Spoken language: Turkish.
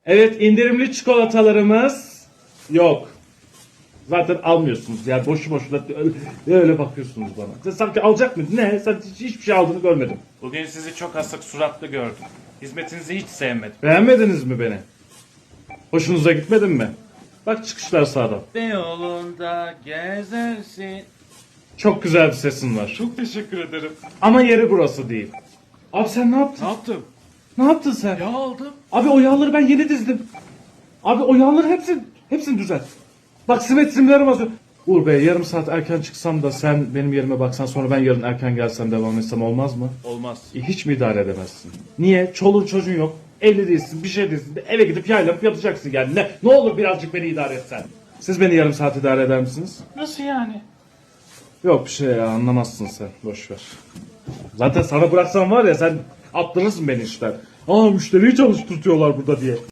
Evet, indirimli çikolatalarımız yok. Zaten almıyorsunuz yani boşu boşuna öyle bakıyorsunuz bana. Sen sanki alacak mıydın? Ne? Sen hiçbir şey aldığını görmedim. Bugün sizi çok asık suratlı gördüm. Hizmetinizi hiç sevmedim. Beğenmediniz mi beni? Hoşunuza gitmedi mi? Bak çıkışlar sağdan. Yolunda gezersin. Çok güzel bir sesin var. Çok teşekkür ederim. Ama yeri burası değil. Abi sen ne yaptın? Ne yaptım? Ne yaptın sen? Ya aldım. Abi o yağları ben yeni dizdim. Abi o yağları hepsini düzelt. Bak simetrimlerim az. Uğur Bey yarım saat erken çıksam da sen benim yerime baksan sonra ben yarın erken gelsem devam etsem olmaz mı? Olmaz. Hiç mi idare edemezsin? Niye? Çoluğun çocuğun yok. Evli değilsin, bir şey değilsin. Eve gidip yaylanıp yatacaksın yani. Ne olur birazcık beni idare etsen. Siz beni yarım saat idare eder misiniz? Nasıl yani? Yok bir şey ya anlamazsın sen. Boş ver. Zaten sana bıraksam var ya sen attırırsın beni işten. Aa müşteriyi çalıştırtıyorlar burada diye.